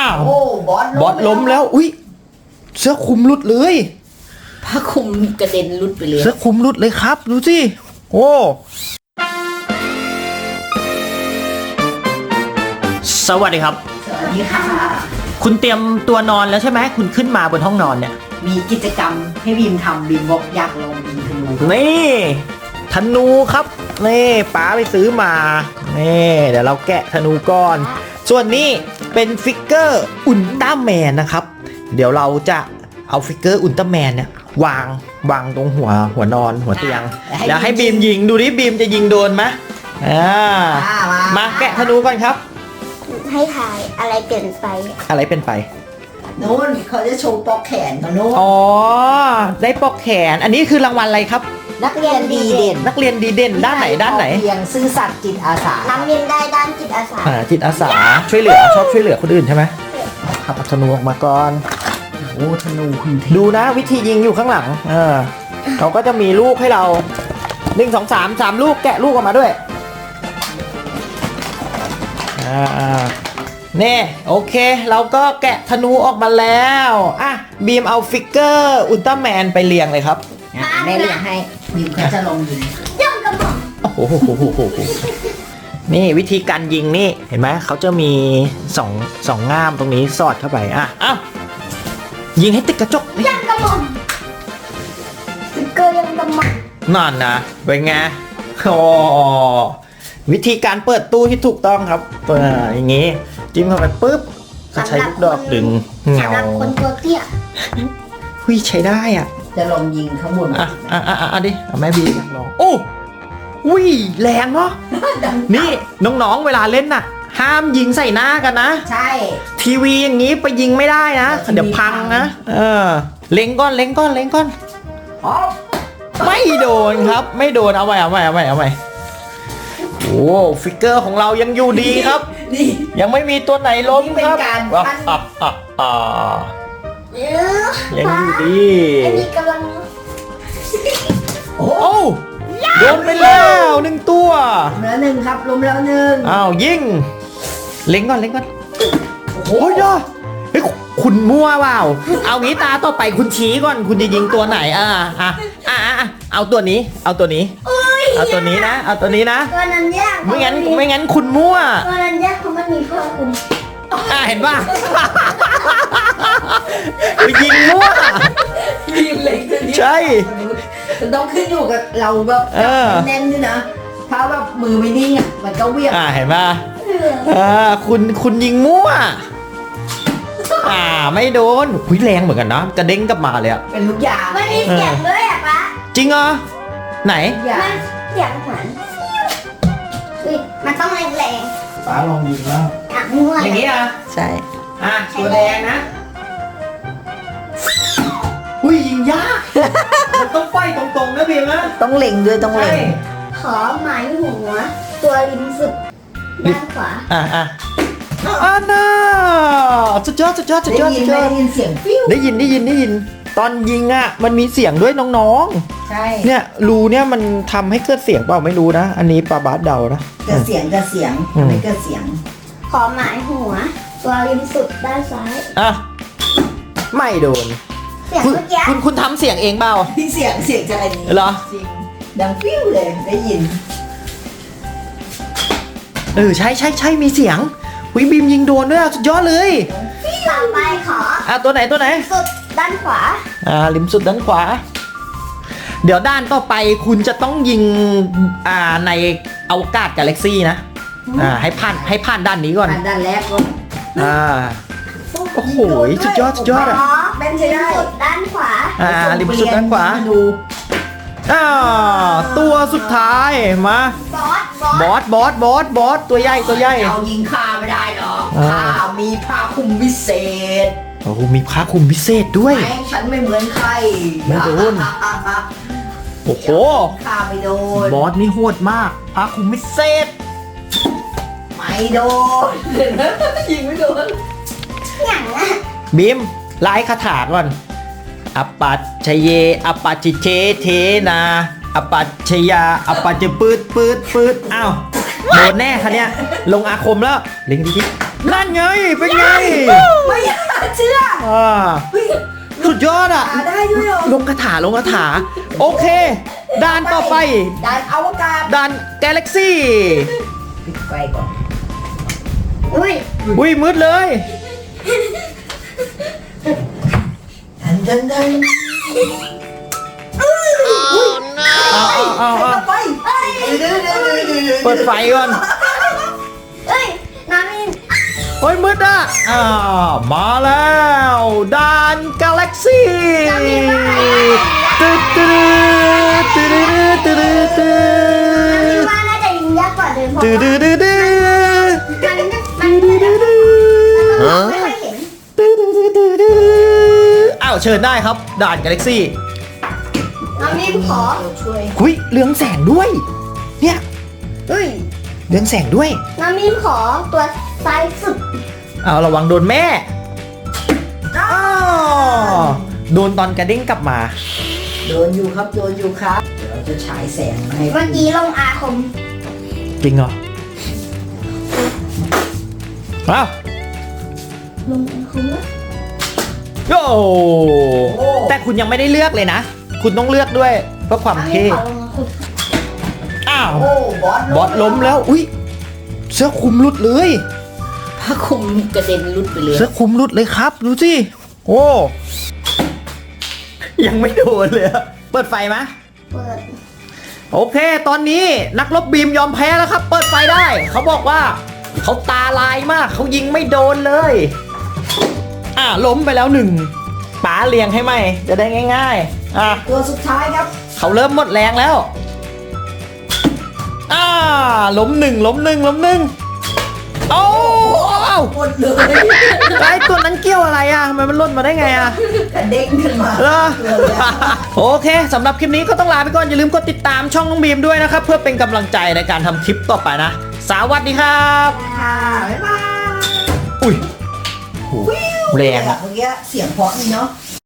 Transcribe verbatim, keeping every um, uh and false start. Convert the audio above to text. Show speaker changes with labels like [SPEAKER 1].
[SPEAKER 1] ว
[SPEAKER 2] โอ้บอส
[SPEAKER 1] บอสล้มแล้วอุ้ยเสื้อคลุมหลุดเลย
[SPEAKER 2] ผ้าคลุมกระเด็นหลุดไปเลย
[SPEAKER 1] เสื้อคลุมหลุดเลยครับดูสิโอ้สวัสดีครับ
[SPEAKER 2] สวัสดีค่ะ
[SPEAKER 1] คุณเตรียมตัวนอนแล้วใช่ไหมคุณขึ้นมาบนห้องนอนเนี่ย
[SPEAKER 2] มีกิจกรรมให้บีมทำบีมบอกอยากลองยิงธนู
[SPEAKER 1] นี่ธนูครับนี่ป๋าไปซื้อมานี่เดี๋ยวเราแกะธนูก่อนส่วนนี้เป็นฟิกเกอร์อุลตร้าแมนนะครับเดี๋ยวเราจะเอาฟิกเกอร์อุลตร้าแมนเนี่ยวางวางตรงหัวหัวนอนหัวเตียงแล้วให้บีมยิงดูดิบีมจะยิงโดนไหมอ่ามาแกะธนูก่อนครับ
[SPEAKER 3] ให้ถ่ายอะไรเปลี่ยนไป
[SPEAKER 1] อะไรเป็นไป
[SPEAKER 2] โน่นเขาจะโชว์ปอกแขนเขาโน่น
[SPEAKER 1] อ๋อได้ปอกแขนอันนี้คือรางวัลอะไรครับ
[SPEAKER 2] นักเรียนดีเด่น
[SPEAKER 1] นักเรียนดีเด่นด้านไหนด้านไหน
[SPEAKER 2] เพียงซื่อสัตย์จิตอาสา
[SPEAKER 3] น้ำเรียนได้ด้านจิตอาสา
[SPEAKER 1] อ่าจิตอาสาช่วยเหลือชอบช่วยเหลือคนอื่นใช่ไหมขับธนูออกมาก่อน
[SPEAKER 2] โอ้ธนูคุณเท
[SPEAKER 1] ดูนะวิธียิงอยู่ข้างหลังเออเขาก็จะมีลูกให้เราหนึ่งสองสามสามลูกแกะลูกออกมาด้วยอ่าเน่โอเคเราก็แกะธนูออกมาแล้วอ่ะบีมเอาฟิกเกอร์อุลตร้าแมนไปเรียงเลยครับ
[SPEAKER 2] แม่เรียกให้บีมเขาจะลองยิง
[SPEAKER 3] ย่อมกระหม่อม
[SPEAKER 1] โอ้โหโหโหโหโหนี่วิธีการยิงนี่เห็นไหมเขาจะมีสองสองง่ามตรงนี้สอดเข้าไปอ่ะอ้าวยิงให้ติดกระจกนี่
[SPEAKER 3] ย่อมกระหม่อมสติ๊กเกอร์ย่อมกระหม่อม
[SPEAKER 1] นั่นนะเป็นไงโอ้วิธีการเปิดตู้ที่ถูกต้องครับเปิดอย่างงี้จิ้มเข้าไปปุ๊บก็ใช้ลูกดอกดึงเงา
[SPEAKER 3] สำหรับคนตัวเตี้ย
[SPEAKER 1] หุยใช้ได้อ่ะ
[SPEAKER 2] จะลองยิงข้างบน
[SPEAKER 1] อ่ะอ่ะอ่ะอ่ะดิเอาแม่บีอยากลองโอ้หุยแรงเนาะนี่น้องๆเวลาเล่นน่ะ ห้ามยิงใส่หน้ากันนะ
[SPEAKER 2] ใช่
[SPEAKER 1] ทีวีอย่างนี้ไปยิงไม่ได้นะ
[SPEAKER 2] ทีวี
[SPEAKER 1] เดี๋ยวพังนะเออเล็งก้อนเล็งก้อนเล็งก้อน
[SPEAKER 2] อ๋อ
[SPEAKER 1] ไม่โดนครับไม่โดนเอาใหม่เอาใหม่เอาใหม่เอาใหม่โอ้ฟิกเกอร์ของเรายังอยู่ดีครับ
[SPEAKER 2] นี่
[SPEAKER 1] ยังไม่มีตัวไหนล้ม
[SPEAKER 2] นี่เป็น
[SPEAKER 1] ครับ
[SPEAKER 2] การ
[SPEAKER 1] อ่ะ
[SPEAKER 2] ปั้น
[SPEAKER 1] อ่ะอ่ะอ่ะ
[SPEAKER 3] เออ
[SPEAKER 1] ยังอยู่ดี
[SPEAKER 3] อันนี้กำลัง
[SPEAKER 2] โอ้
[SPEAKER 1] โอ้โดนไปแล้วหนึ่งตัว
[SPEAKER 2] ล้มแล้วหนึ่งครับล้มแล้วหนึ่ง
[SPEAKER 1] อ้าวยิงเล็งก่อนเล็งก่อน
[SPEAKER 2] โอ้โห
[SPEAKER 1] โอ้ยยอดเฮ้ยคุณมั่วเปล่าเอางี้ตาต่อไปคุณชี้ก่อนคุณจะยิงตัวไหนอ่ะอ่ะอ่ะอ่ะเอาตัวนี้ เอาตัวนี้ เอาตัวนี้นะ เอาตัวนี้นะ
[SPEAKER 3] ตัวนั้นยาก
[SPEAKER 1] ไม่งั้นไม่งั้นคุณมั่ว
[SPEAKER 3] ตัวนั้นยากเพราะมันมีผ้าคลุม
[SPEAKER 1] อ่ะเห็นป่ะ ไปยิงมั่ว
[SPEAKER 2] บีมเล็กตัวนี้
[SPEAKER 1] ใช่
[SPEAKER 2] มันต้องขึ้นอยู่กับเราแบบ
[SPEAKER 1] เออ
[SPEAKER 2] แน่นด้วยนะถ้าแบบมือไม่นิ่งอ่ะมันก็เวียง
[SPEAKER 1] อ่ะเห็นป่ะอ่าคุณคุณยิงมั่ว อ่าไม่โดนหุยแรงเหมือนกันนะกระเด้งกลับมาเลยอะ
[SPEAKER 2] เป็นลูกยาง
[SPEAKER 3] มันมีเสียงด้วยอ่ะปะ
[SPEAKER 1] จริงเหรอไหน
[SPEAKER 2] ลูกยา
[SPEAKER 3] มั
[SPEAKER 2] ง
[SPEAKER 3] นเสียงเหมือนอุ้ยมันต้องแรง
[SPEAKER 1] ป้าลองยิงแล้ว
[SPEAKER 3] ๆอ่ะมั่ว
[SPEAKER 1] อย่างนี้อ่ะ
[SPEAKER 2] ใช่
[SPEAKER 1] อ่ะตัวแดงนะอุ้ยยิงยาก มันต้องไฟตรงๆนะบีมนะ
[SPEAKER 2] ต้องเล็งด้วยต้องเล็
[SPEAKER 1] ใช่
[SPEAKER 2] ง
[SPEAKER 3] ขอหมายหัว ตัวริมสุดด้านขวา
[SPEAKER 1] อ่ะอ่ะอ่าน่าสุดยอดสุดยอดสุด
[SPEAKER 2] ได้
[SPEAKER 1] ยอด
[SPEAKER 2] ยิ
[SPEAKER 1] สุ
[SPEAKER 2] น
[SPEAKER 1] ด
[SPEAKER 2] ไหม
[SPEAKER 1] ยอด
[SPEAKER 2] ได้ยินเสียงฟิว
[SPEAKER 1] ได้ยินได้ยินได้ยิน ตอนยิงอ่ะมันมีเสียงด้วยน้อง
[SPEAKER 2] ใช่
[SPEAKER 1] ๆ เนี่ยรูเนี่ยมันทำให้เกิดเสียงเปล่าไม่รู้นะ อันนี้ปาบาสเดานะ
[SPEAKER 2] เกิดเสียงเกิดเสียง
[SPEAKER 1] อืม
[SPEAKER 2] ไม่เกิดเสียง
[SPEAKER 3] ขอหมายหัว ตัวริมสุดด้านซ้าย
[SPEAKER 1] อ่ะไม่โดน
[SPEAKER 3] เสียง
[SPEAKER 1] คุณ
[SPEAKER 3] เมื่อกี้
[SPEAKER 1] คุณคุณทำเสียงเองเปล่า
[SPEAKER 2] ที่เสียงเสียงจะอะไรนี้
[SPEAKER 1] เหรอ
[SPEAKER 2] จริงดังฟิวเลยได้ยิน
[SPEAKER 1] เออใช่ใช่ใช่มีเสียงวิบีมยิงโดนด้วยอ่ะสุดยอดเลย
[SPEAKER 3] ต่อไปขอ
[SPEAKER 1] อ่ะตัวไหนตัวไหน
[SPEAKER 3] สุดด้านขวา
[SPEAKER 1] อ่าริมสุดด้านขวา เดี๋ยวด้านต่อไปคุณจะต้องยิงอ่าในอวกาศกาแล็กซี่นะอ่าให้ผ่านให้ผ่านด้านนี้ก่อน
[SPEAKER 2] อันด้านแรกก็
[SPEAKER 1] อ่าโอ้โหสุดยอดสุดยอดอ่ะ
[SPEAKER 3] ขอเป็นริมสุดด้านขวา
[SPEAKER 1] อ่าริมสุดด้านขวา
[SPEAKER 2] ดู
[SPEAKER 1] อ่าตัวสุดท้ายมา
[SPEAKER 3] บอส บอส
[SPEAKER 1] บอสบอสบอสบอสตัวใหญ่ตัวใหญ่
[SPEAKER 2] เอายิงข้าไม่ได้หรอก
[SPEAKER 1] อ่า
[SPEAKER 2] ข้ามีผ้าคลุมพิเศษ
[SPEAKER 1] โอ้โหมีผ้าคลุมพิเศษด้วย
[SPEAKER 2] ไม่ฉันไม่เหมือนใคร
[SPEAKER 1] ไม่โดน โอ้โห
[SPEAKER 2] ข้าไม่โดน
[SPEAKER 1] บอสนี่โหดมากผ้าคลุมพิเศษ
[SPEAKER 2] ไม่โดนยิงไม่โดน
[SPEAKER 3] อย่างน่ะ
[SPEAKER 1] บีมไล่คาถาก่อนอปัจชเยอปัจจิเชเทนาอปัจชยาอปัจจปืดปืดปืดอ้าวโดนแน่คันเนี้ยลงอาคมแล้วเล็งดิดินั่นไงเป็นไง
[SPEAKER 2] ไม่อยากเชื่อ
[SPEAKER 1] อ่า
[SPEAKER 2] เฮ้ย
[SPEAKER 1] สุดยอดอ่ะ
[SPEAKER 2] หาได้ด้วยเหรอ
[SPEAKER 1] ลงคาถาลงคาถาโอเคด่านต่อไป
[SPEAKER 2] ด่านอวกาศ
[SPEAKER 1] ด่านกาแล็กซี่
[SPEAKER 2] ปิดไฟก่อน
[SPEAKER 3] อุ้ย
[SPEAKER 1] อุ้ยมืดเลย
[SPEAKER 2] ดันดันดัน
[SPEAKER 1] เอาเอาเอา
[SPEAKER 2] ใคร
[SPEAKER 1] เอา
[SPEAKER 2] มาไปเดี๋ยวเดี๋ยวเดี๋ยวเดี๋ยวเดี๋ยว
[SPEAKER 1] เปิดไฟก่อน
[SPEAKER 3] เอ้ยน้ำมิน
[SPEAKER 1] โอ้ยมืดอ่ะอ้าวมาแล้วด่านกาแล็กซี่ตึ๊ดตึ๊ดตึ๊ดตึ๊ดตึ๊ด
[SPEAKER 3] ว่าน่าจะยิงยากกว่าเดิมเพราะ
[SPEAKER 1] ตึ๊ด
[SPEAKER 3] ว่า
[SPEAKER 1] ตึ๊ดตึ๊ด
[SPEAKER 3] มันมันมันไม่ค่อยเห็น
[SPEAKER 1] อ้าวเชิญได้ครับด่านกาแล็กซี่
[SPEAKER 3] น้ำมินขอ
[SPEAKER 2] เราช่วย
[SPEAKER 1] หุยเรืองแสงด้วย เนี่ย
[SPEAKER 2] เฮ้ย
[SPEAKER 1] เรืองแสงด้วย
[SPEAKER 3] น้ำมินขอตัวซ้ายสุด
[SPEAKER 1] เอาระวังโดนแม่อ้าวโดนตอนกระเด้งกลับมา
[SPEAKER 2] โดนอยู่ครับโดนอยู่ครับเดี๋ยวเราจะฉายแสงมาให้
[SPEAKER 3] เมื่อกี้ลงอาคม
[SPEAKER 1] จริงเหรออ้าว
[SPEAKER 3] ลงอาคมวะ
[SPEAKER 1] โอ้แต่คุณยังไม่ได้เลือกเลยนะ คุณต้องเลือกด้วยเพื่อความ
[SPEAKER 3] น้ำมิน
[SPEAKER 1] เท่
[SPEAKER 3] ขอลงอาคม
[SPEAKER 1] อ้าว
[SPEAKER 2] โอ้บอส
[SPEAKER 1] บอสล้มแล้ว อุ้ยเสื้อคลุมหลุดเลย
[SPEAKER 2] ผ้าคลุมกระเด็นรุดไปเลย
[SPEAKER 1] เสื้อคลุมหลุดเลยครับ ดูสิ โอ้ ยังไม่โดนเลยอะเปิดไฟไหม
[SPEAKER 3] เปิด
[SPEAKER 1] โอเค ตอนนี้นักรบบีมยอมแพ้แล้วครับ เปิดไฟได้ เขาบอกว่า เขาตาลายมาก เขายิงไม่โดนเลย อ่ะล้มไปแล้วหนึ่งป๋าเลียงให้ไหม จะได้ง่ายๆ อ่ะ
[SPEAKER 2] ตัวสุดท้ายครับ
[SPEAKER 1] เขาเริ่มหมดแรงแล้ว อ่า ล้มหนึ่งล้มหนึ่งล้มหนึ่งโอ้อ้าว
[SPEAKER 2] หมดเลย
[SPEAKER 1] ไอ้ตัวนั้นเกี่ยวอะไรอ่ะทำไมมันหล่นมาได้ไงอ่ะ
[SPEAKER 2] กระเด้งขึ้นมา
[SPEAKER 1] เหรอ โอเคสำหรับคลิปนี้ก็ต้องลาไปก่อน อย่าลืมกดติดตามช่องน้องบีมด้วยนะครับ เพื่อเป็นกำลังใจในการทำคลิปต่อไปนะ สวัสดีครับ
[SPEAKER 2] ค่ะบ๊ายบาย
[SPEAKER 1] อุ้ยโหแรงอ่ะ
[SPEAKER 2] เมื่อกี้เสียงเพราะนี่เนาะ